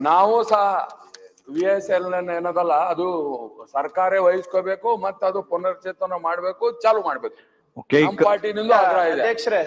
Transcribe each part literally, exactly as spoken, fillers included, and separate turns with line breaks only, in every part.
ನಾವು ಸಹ V S L ಏನದಲ್ಲ ಅದು ಸರ್ಕಾರ ವಹಿಸ್ಕೋಬೇಕು ಮತ್ತೆ ಅದು ಪುನರ್ಚೇತನ ಮಾಡ್ಬೇಕು, ಚಾಲು ಮಾಡ್ಬೇಕು. ನಮ್ಮ ಪಾರ್ಟಿನಿಂದ ಆಗ್ರಹ ಇದೆ.
ಅಧ್ಯಕ್ಷರೇ,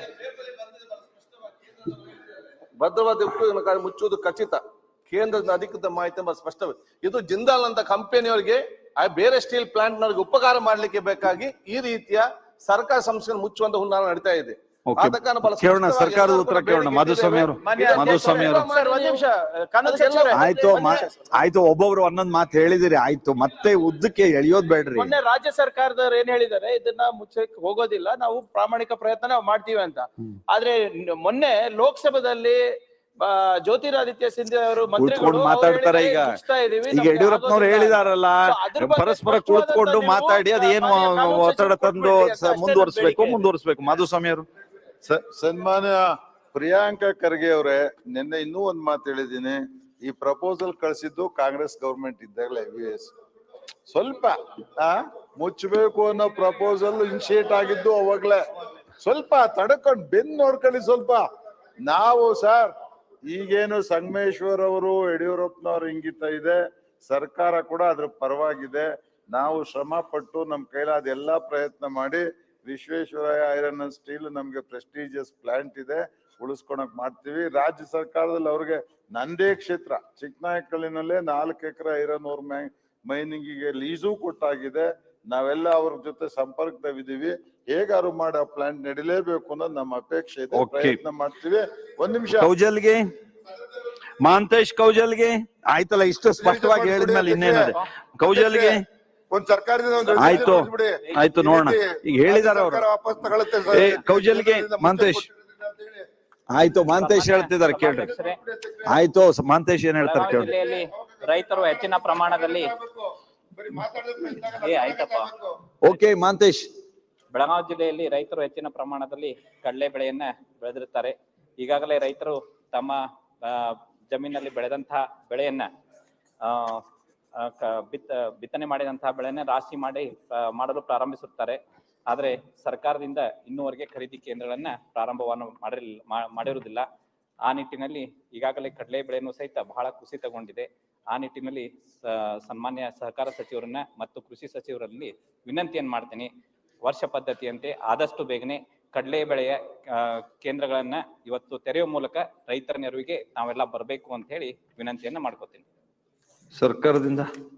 ಭದ್ರವಾದ ಉಪಯೋಗ ಮುಚ್ಚುವುದು ಖಚಿತ. ಕೇಂದ್ರದ ಅಧಿಕೃತ ಮಾಹಿತಿ ಸ್ಪಷ್ಟವೇ. ಇದು ಜಿಂದಾಲ್ ಅಂತ ಕಂಪನಿಯವರಿಗೆ ಬೇರೆ ಸ್ಟೀಲ್ ಪ್ಲಾಂಟ್ ನವರಿಗೆ ಉಪಕಾರ ಮಾಡ್ಲಿಕ್ಕೆ ಬೇಕಾಗಿ ಈ ರೀತಿಯ ಸರ್ಕಾರ ಸಂಸ್ಥೆ ಮುಚ್ಚುವಂತ ಹುನ್ನಾರ ನಡೀತಾ ಇದೆ.
ಕೇಳೋಣ, ಸರ್ಕಾರದ ಉತ್ತರ ಕೇಳೋಣ. ಮಾಧುಸ್ವಾಮಿ ಅವರು ಮಾಧುಸ್ವಾಮಿ ಅವರು ಆಯ್ತು ಆಯ್ತು ಒಬ್ಬೊಬ್ರು ಒಂದೊಂದ್ ಮಾತು ಹೇಳಿದಿರಿ, ಆಯ್ತು ಮತ್ತೆ ಉದ್ದಕ್ಕೆ ಎಳೆಯೋದ್ ಬೇಡ್ರಿ.
ಮೊನ್ನೆ ರಾಜ್ಯ ಸರ್ಕಾರದವ್ರು ಏನ್ ಹೇಳಿದ್ದಾರೆ, ಇದನ್ನ ಮುಚ್ಚಕ್ಕೆ ಹೋಗೋದಿಲ್ಲ, ನಾವು ಪ್ರಾಮಾಣಿಕ ಪ್ರಯತ್ನ ನಾವು ಮಾಡ್ತೀವಿ ಅಂತ. ಆದ್ರೆ ಮೊನ್ನೆ ಲೋಕಸಭಾದಲ್ಲಿ ಜ್ಯೋತಿರಾದಿತ್ಯ ಸಿಂಧ್ಯಾ ಅವರು ಮಂತ್ರಿಗಳು
ಮಾತಾಡ್ತಾರೆ. ಈಗ ಈಗ ಯಡಿಯೂರಪ್ಪನವ್ರು ಹೇಳಿದಾರಲ್ಲ, ಪರಸ್ಪರ ಕುಳಿತುಕೊಂಡು ಮಾತಾಡಿ ಅದೇನು ಒತ್ತಡ ತಂದು ಮುಂದುವರಿಸಬೇಕು ಮುಂದುವರಿಸಬೇಕು ಮಾಧುಸ್ವಾಮಿ ಅವರು.
ಸನ್ಮಾನ್ಯ ಪ್ರಿಯಾಂಕಾ ಖರ್ಗೆ ಅವರೇ, ನಿನ್ನೆ ಇನ್ನೂ ಒಂದ್ ಮಾತು ಹೇಳಿದೀನಿ. ಈ ಪ್ರಪೋಸಲ್ ಕಳಿಸಿದ್ದು ಕಾಂಗ್ರೆಸ್ ಗವರ್ಮೆಂಟ್ ಇದ್ದಾಗಲೇ ವಿ ಎಸ್ ಸ್ವಲ್ಪ ಆ ಮುಚ್ಚಬೇಕು ಅನ್ನೋ ಪ್ರಪೋಸಲ್ ಇನಿಶಿಯೇಟ್ ಆಗಿದ್ದು ಅವಾಗ್ಲೇ. ಸ್ವಲ್ಪ ತಡ್ಕೊಂಡು ಬೆನ್ನು ನೋಡ್ಕೊಳ್ಳಿ ಸ್ವಲ್ಪ. ನಾವು ಸರ್ ಈಗೇನು ಸಂಗಮೇಶ್ವರ್ ಅವರು ಯಡಿಯೂರಪ್ಪನವ್ರ ಇಂಗಿತ ಇದೆ, ಸರ್ಕಾರ ಕೂಡ ಅದ್ರ ಪರವಾಗಿದೆ. ನಾವು ಶ್ರಮ ಪಟ್ಟು ನಮ್ ಕೈಲಾದ ಎಲ್ಲಾ ಪ್ರಯತ್ನ ಮಾಡಿ ವಿಶ್ವೇಶ್ವರಯ್ಯ ಐರನ್ ಅಂಡ್ ಸ್ಟೀಲ್ ನಮ್ಗೆ ಪ್ರೆಸ್ಟೀಜಿಯಸ್ ಪ್ಲಾಂಟ್ ಇದೆ, ಉಳಿಸ್ಕೊಳಕ್ ಮಾಡ್ತೀವಿ. ರಾಜ್ಯ ಸರ್ಕಾರದಲ್ಲಿ ಅವ್ರಿಗೆ ನಂದೇ ಕ್ಷೇತ್ರ ಚಿಕ್ಕನಾಯಕಲ್ಲಿನಲ್ಲೇ ನಾಲ್ಕು ಎಕರೆ ಐರನ್ ಓರ್ ಮೈನಿಂಗಿಗೆ ಲೀಸು ಕೊಟ್ಟಾಗಿದೆ. ನಾವೆಲ್ಲ ಅವ್ರ ಜೊತೆ ಸಂಪರ್ಕದಾಗಿದ್ದೀವಿ. ಹೇಗಾರು ಮಾಡಿ ಆ ಪ್ಲಾಂಟ್ ನಡಿಲೇಬೇಕು ಅನ್ನೋದು ನಮ್ಮ ಅಪೇಕ್ಷೆ ಇದೆ, ಪ್ರಯತ್ನ ಮಾಡ್ತೀವಿ. ಒಂದ್ ನಿಮಿಷ
ಕೌಜಲ್ಗೆ ಮಹಾಂತೇಶ್ ಕೌಜಲ್ಗೆ ಆಯ್ತಲ್ಲ, ಇಷ್ಟು ಸ್ಪಷ್ಟವಾಗಿ ಹೇಳಿದ್ಮೇಲೆ ಇನ್ನೇನದೆ ಕೌಜಲ್ಗೆ
ಒಂದ್ ಸರ್ಕಾರದಿಂದ
ಆಯ್ತು ಆಯ್ತು ನೋಡೋಣ. ಈಗ ಹೇಳಿದಾರ ಅವರು
ವಾಪಸ್ ತಗೊಳುತ್ತೆ.
ಕೌಜಲ್ಗೆ ಮಹಾಂತೇಶ್ ಆಯ್ತು ಮಹಾಂತೇಶ್ ಹೇಳ್ತಿದಾರೆ ಕೇಳ್ರಿ. ಆಯ್ತು ಮಹಾಂತೇಶ್ ಏನ್ ಹೇಳ್ತಾರೆ ಕೇಳ್ರಿ.
ಜಿಲ್ಲೆಯಲ್ಲಿ ರೈತರು ಹೆಚ್ಚಿನ ಪ್ರಮಾಣದಲ್ಲಿ ಏ ಆಯ್ತಪ್ಪ
ಓಕೆ ಮಹಾಂತೇಶ್.
ಬೆಳಗಾವಿ ಜಿಲ್ಲೆಯಲ್ಲಿ ರೈತರು ಹೆಚ್ಚಿನ ಪ್ರಮಾಣದಲ್ಲಿ ಕಡಲೆ ಬೆಳೆಯನ್ನ ಬೆಳೆದಿರುತ್ತಾರೆ. ಈಗಾಗಲೇ ರೈತರು ತಮ್ಮ ಜಮೀನಲ್ಲಿ ಬೆಳೆದಂತಹ ಬೆಳೆಯನ್ನ ಆ ಬಿತ್ತ ಬಿತ್ತನೆ ಮಾಡಿದಂತಹ ಬೆಳೆಯನ್ನ ರಾಶಿ ಮಾಡಿ ಮಾಡಲು ಪ್ರಾರಂಭಿಸುತ್ತಾರೆ. ಆದರೆ ಸರ್ಕಾರದಿಂದ ಇನ್ನೂವರೆಗೆ ಖರೀದಿ ಕೇಂದ್ರಗಳನ್ನ ಪ್ರಾರಂಭವನ್ನು ಮಾಡಿರಲಿಲ್ಲ ಮಾಡಿರುವುದಿಲ್ಲ. ಆ ನಿಟ್ಟಿನಲ್ಲಿ ಈಗಾಗಲೇ ಕಡಲೆ ಬೆಳೆಯನ್ನು ಸಹಿತ ಬಹಳ ಕುಸಿತಗೊಂಡಿದೆ. ಆ ನಿಟ್ಟಿನಲ್ಲಿ ಸನ್ಮಾನ್ಯ ಸಹಕಾರ ಸಚಿವರನ್ನ ಮತ್ತು ಕೃಷಿ ಸಚಿವರಲ್ಲಿ ವಿನಂತಿಯನ್ನು ಮಾಡ್ತೀನಿ, ವರ್ಷ ಪದ್ಧತಿಯಂತೆ ಆದಷ್ಟು ಬೇಗನೆ ಕಡಲೆ ಬೆಳೆಯ ಕೇಂದ್ರಗಳನ್ನ ಇವತ್ತು ತೆರೆಯುವ ಮೂಲಕ ರೈತರ ನೆರವಿಗೆ ನಾವೆಲ್ಲ ಬರಬೇಕು ಅಂತ ಹೇಳಿ ವಿನಂತಿಯನ್ನ ಮಾಡ್ಕೋತೀನಿ.
ಸರ್ಕಾರದಿಂದ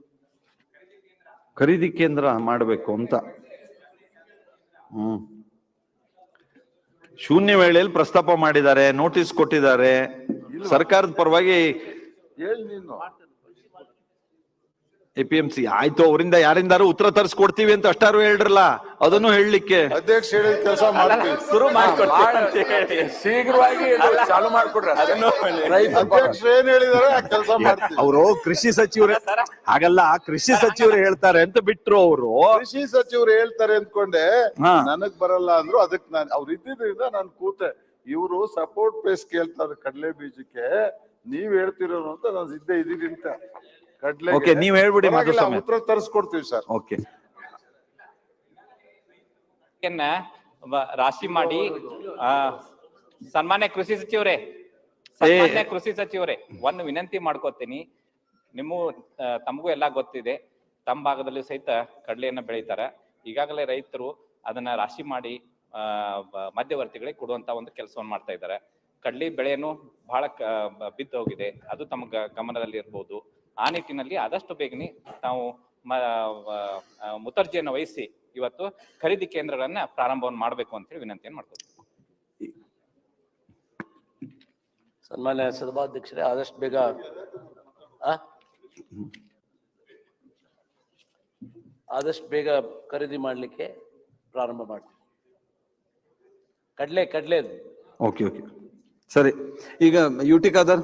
ಖರೀದಿ ಕೇಂದ್ರ ಮಾಡಬೇಕು ಅಂತ ಹ್ಮ್ ಶೂನ್ಯ ವೇಳೆಯಲ್ಲಿ ಪ್ರಸ್ತಾಪ ಮಾಡಿದ್ದಾರೆ, ನೋಟಿಸ್ ಕೊಟ್ಟಿದ್ದಾರೆ. ಸರ್ಕಾರದ ಪರವಾಗಿ
ಹೇಳಿ ನೀನು
ಎ ಪಿ ಎಂ ಸಿ ಆಯ್ತು, ಅವರಿಂದ ಯಾರಿಂದಾರು ಉತ್ತರ ತರಿಸ್ಕೊಡ್ತೀವಿ ಅಂತ ಅಷ್ಟಾರು ಹೇಳ್ರಲ್ಲ, ಅದನ್ನು ಹೇಳಲಿಕ್ಕೆ
ಅಧ್ಯಕ್ಷ ಹೇಳಿದ ಕೆಲಸ ಮಾಡ್ತೀವಿ,
ಶುರು ಮಾಡ್ಕೊಡ್ತೀವಿ,
ಶೀಘ್ರವಾಗಿ ಚಾಲು ಮಾಡ್ಕೊಡ್ರಿ.
ಅಧ್ಯಕ್ಷ ಏನ್ ಹೇಳಿದಾರೆ ಆ ಕೆಲಸ ಮಾಡ್ತೀವಿ.
ಅವರು ಕೃಷಿ ಸಚಿವರು ಹಾಗಲ್ಲ, ಕೃಷಿ ಸಚಿವರು ಹೇಳ್ತಾರೆ ಅಂತ ಬಿಟ್ರು. ಅವರು
ಕೃಷಿ ಸಚಿವರು ಹೇಳ್ತಾರೆ ಅಂದ್ಕೊಂಡೆ, ನನಗ್ ಬರಲ್ಲ ಅಂದ್ರು. ಅದಕ್ಕೆ ನಾನು ಅವ್ರು ಇದ್ದಿದ್ರಿಂದ ನಾನು ಕೂತೆ. ಇವರು ಸಪೋರ್ಟ್ ಪೇಸ್ ಕೇಳ್ತಾರೆ ಕಡಲೆ ಬೀಜಕ್ಕೆ, ನೀವ್ ಹೇಳ್ತಿರೋ ಅಂತ ನಾನು ಇದ್ದೇ ಇದೀನಿ ಅಂತ. ಕಡ್ಲೆ
ಓಕೆ, ನೀವ್ ಹೇಳ್ಬಿಡಿ ಮಾಧುಸ್ವಾಮಿ,
ಉತ್ತರ ತರಿಸ್ಕೊಡ್ತೀವಿ ಸರ್.
ಓಕೆ,
ರಾಶಿ ಮಾಡಿ ಆ ಸನ್ಮಾನ್ಯ ಕೃಷಿ ಸಚಿವರೇ ಸನ್ಮಾನ್ಯ ಕೃಷಿ ಸಚಿವರೇ ಒಂದು ವಿನಂತಿ ಮಾಡ್ಕೋತೀನಿ. ನಿಮ್ಮ ತಮಗೂ ಎಲ್ಲಾ ಗೊತ್ತಿದೆ, ತಮ್ಮ ಭಾಗದಲ್ಲಿ ಸಹಿತ ಕಡಲೆಯನ್ನ ಬೆಳೀತಾರೆ. ಈಗಾಗಲೇ ರೈತರು ಅದನ್ನ ರಾಶಿ ಮಾಡಿ ಆ ಮಧ್ಯವರ್ತಿಗಳಿಗೆ ಕೊಡುವಂತ ಒಂದು ಕೆಲಸವನ್ನು ಮಾಡ್ತಾ ಇದ್ದಾರೆ. ಕಡ್ಲಿ ಬೆಳೆಯನ್ನು ಬಹಳ ಬಿದ್ದು ಹೋಗಿದೆ, ಅದು ತಮ್ಮ ಗಮನದಲ್ಲಿ ಇರ್ಬೋದು. ಆ ನಿಟ್ಟಿನಲ್ಲಿ ಆದಷ್ಟು ಬೇಗನೆ ನಾವು ಮುತರ್ಜಿಯನ್ನು ವಹಿಸಿ ಇವತ್ತು ಖರೀದಿ ಕೇಂದ್ರಗಳನ್ನ ಪ್ರಾರಂಭವನ್ನು ಮಾಡಬೇಕು ಅಂತ ಹೇಳಿ ವಿನಂತಿಯನ್ನು ಮಾಡ್ಕೊತೀವಿ.
ಸನ್ಮಾನ್ಯ ಸಭಾಧ್ಯಕ್ಷರೇ, ಆದಷ್ಟು ಬೇಗ ಆದಷ್ಟು ಬೇಗ ಖರೀದಿ ಮಾಡ್ಲಿಕ್ಕೆ ಪ್ರಾರಂಭ ಮಾಡ್ತೀವಿ. ಕಡ್ಲೆ ಕಡ್ಲೆ
ಓಕೆ ಓಕೆ ಸರಿ. ಈಗ ಯುಟಿ ಖಾದರ್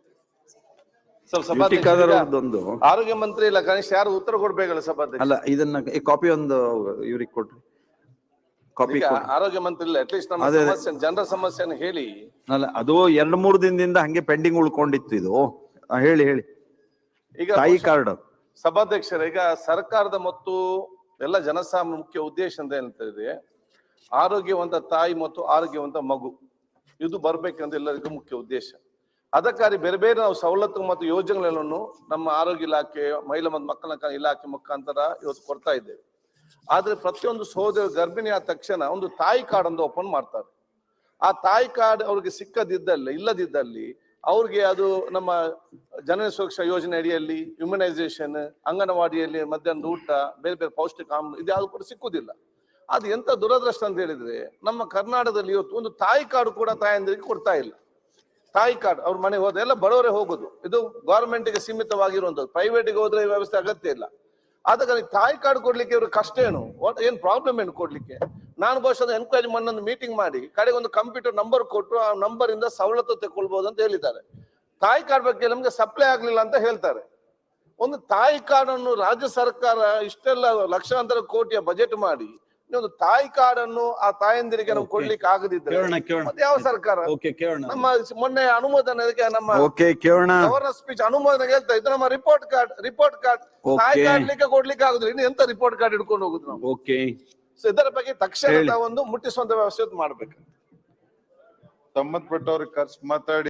ಒಂದು
ಆರೋಗ್ಯ ಮಂತ್ರಿ ಇಲ್ಲ, ಕನಿಷ್ಠ ಯಾರು ಉತ್ತರ ಕೊಡ್ಬೇಕಲ್ಲ ಸಭಾಧ್ಯಕ್ಷ.
ಅಲ್ಲ, ಇದನ್ನ ಕಾಪಿ ಒಂದು ಇವ್ರಿಗೆ ಕೊಡ್ರಿ, ಕಾಪಿ.
ಆರೋಗ್ಯ ಮಂತ್ರಿ ಇಲ್ಲ, ಅಟ್ಲೀಸ್ಟ್ ನಮ್ಮ ಸಮಸ್ಯೆ ಜನರ ಸಮಸ್ಯೆನ ಹೇಳಿ.
ಅಲ್ಲ, ಅದು ಎರಡ್ ಮೂರು ದಿನದಿಂದ ಹಂಗೆ ಪೆಂಡಿಂಗ್ ಉಳ್ಕೊಂಡಿತ್ತು ಇದು. ಹೇಳಿ ಹೇಳಿ. ಈಗ ತಾಯಿ ಕಾರ್ಡ್
ಸಭಾಧ್ಯಕ್ಷರ, ಈಗ ಸರ್ಕಾರದ ಮತ್ತು ಎಲ್ಲ ಜನಸಾಮಾನ್ಯ ಮುಖ್ಯ ಉದ್ದೇಶ ಅಂತ ಹೇಳ್ತಿದೆ, ಆರೋಗ್ಯವಂತ ತಾಯಿ ಮತ್ತು ಆರೋಗ್ಯವಂತ ಮಗು ಇದು ಬರ್ಬೇಕಂತ ಎಲ್ಲರಿಗೂ ಮುಖ್ಯ ಉದ್ದೇಶ. ಅದಕ್ಕಾಗಿ ಬೇರೆ ಬೇರೆ ನಾವು ಸವಲತ್ತು ಮತ್ತು ಯೋಜನೆಗಳನ್ನು ನಮ್ಮ ಆರೋಗ್ಯ ಇಲಾಖೆ, ಮಹಿಳಾ ಮತ್ತು ಮಕ್ಕಳ ಕಲ್ಯಾಣ ಇಲಾಖೆ ಮುಖಾಂತರ ಇವತ್ತು ಕೊಡ್ತಾ ಇದ್ದೇವೆ. ಆದ್ರೆ ಪ್ರತಿಯೊಂದು ಸಹೋದರ ಗರ್ಭಿಣಿ ಆದ ತಕ್ಷಣ ಒಂದು ತಾಯಿ ಕಾರ್ಡ್ ಒಂದು ಓಪನ್ ಮಾಡ್ತಾರೆ. ಆ ತಾಯಿ ಕಾರ್ಡ್ ಅವ್ರಿಗೆ ಸಿಕ್ಕದಿದ್ದಲ್ಲಿ ಇಲ್ಲದಿದ್ದಲ್ಲಿ ಅವ್ರಿಗೆ ಅದು ನಮ್ಮ ಜನನ ಸುರಕ್ಷಾ ಯೋಜನೆ ಅಡಿಯಲ್ಲಿ ಇಮ್ಯುನೈಸೇಷನ್, ಅಂಗನವಾಡಿಯಲ್ಲಿ ಮಧ್ಯಾಹ್ನದ ಊಟ, ಬೇರೆ ಬೇರೆ ಪೌಷ್ಟಿಕ ಆಹಾರ ಇದು ಯಾವ್ದು ಕೂಡ ಸಿಕ್ಕುದಿಲ್ಲ. ಅದು ಎಂತ ದುರದೃಷ್ಟ ಅಂತ ಹೇಳಿದ್ರೆ ನಮ್ಮ ಕರ್ನಾಟಕದಲ್ಲಿ ಇವತ್ತು ಒಂದು ತಾಯಿ ಕಾರ್ಡ್ ಕೂಡ ತಾಯಂದಿರಿಗೆ ಕೊಡ್ತಾ ಇಲ್ಲ. ತಾಯಿ ಕಾರ್ಡ್ ಅವ್ರ ಮನೆಗೆ ಹೋದ್ರೆ ಎಲ್ಲ ಬಡವರೇ ಹೋಗುದು. ಇದು ಗವರ್ಮೆಂಟ್ ಗೆ ಸೀಮಿತವಾಗಿರುವಂತದ್ದು, ಪ್ರೈವೇಟ್ಗೆ ಹೋದ್ರೆ ಈ ವ್ಯವಸ್ಥೆ ಅಗತ್ಯ ಇಲ್ಲ. ಆದ ಕಾರಣ ತಾಯಿ ಕಾರ್ಡ್ ಕೊಡ್ಲಿಕ್ಕೆ ಇವ್ರ ಕಷ್ಟ ಏನು, ಏನ್ ಪ್ರಾಬ್ಲಮ್ ಏನು ಕೊಡ್ಲಿಕ್ಕೆ? ನಾನು ಬಹುಶಃ ಎನ್ಕ್ವೈರಿ ಮೊನ್ನೊಂದು ಮೀಟಿಂಗ್ ಮಾಡಿ ಕಡೆಗೆ ಒಂದು ಕಂಪ್ಯೂಟರ್ ನಂಬರ್ ಕೊಟ್ಟು ಆ ನಂಬರ್ ಇಂದ ಸವಲತ್ತು ತಗೊಳ್ಬಹುದು ಅಂತ ಹೇಳಿದ್ದಾರೆ. ತಾಯಿ ಕಾರ್ಡ್ ಬಗ್ಗೆ ನಮ್ಗೆ ಸಪ್ಲೈ ಆಗ್ಲಿಲ್ಲ ಅಂತ ಹೇಳ್ತಾರೆ. ಒಂದು ತಾಯಿ ಕಾರ್ಡ್ ಅನ್ನು ರಾಜ್ಯ ಸರ್ಕಾರ ಇಷ್ಟೆಲ್ಲ ಲಕ್ಷಾಂತರ ಕೋಟಿಯ ಬಜೆಟ್ ಮಾಡಿ ಒಂದು ತಾಯಿ ಕಾರ್ಡ್ ಅನ್ನು ಆ ತಾಯಂದಿರಿಗೆ ನಾವು ಕೊಡ್ಲಿಕ್ಕೆ ಆಗದಿದ್ರೆ ಮತ್ತೆ ಯಾವ ಸರ್ಕಾರ? ನಮ್ಮ ಮೊನ್ನೆ ಅನುಮೋದನೆಗೆ ನಮ್ಮ ಗವರ್ನರ್ ಸ್ಪೀಚ್ ಅನುಮೋದನೆಗೆ ಹೇಳ್ತಾ ಇದ್ದು ನಮ್ಮ ರಿಪೋರ್ಟ್ ಕಾರ್ಡ್ ರಿಪೋರ್ಟ್ ಕಾರ್ಡ್ ತಾಯಿ ಕಾರ್ಡ್ಲಿಕ್ಕೆ ಕೊಡ್ಲಿಕ್ಕೆ ಆಗುದಿಲ್ಲ, ಇನ್ನು ಎಂತ ರಿಪೋರ್ಟ್ ಕಾರ್ಡ್ ಹಿಡ್ಕೊಂಡು ಹೋಗುದು ನಾವು? ಸೊ ಇದರ ಬಗ್ಗೆ ತಕ್ಷಣ ಒಂದು ಮುಟ್ಟಿಸುವಂತ ವ್ಯವಸ್ಥೆ ಮಾಡ್ಬೇಕು.
ಸಂಬಂಧಪಟ್ಟವ್ರಿಗೆ ಖರ್ಚು ಮಾತಾಡಿ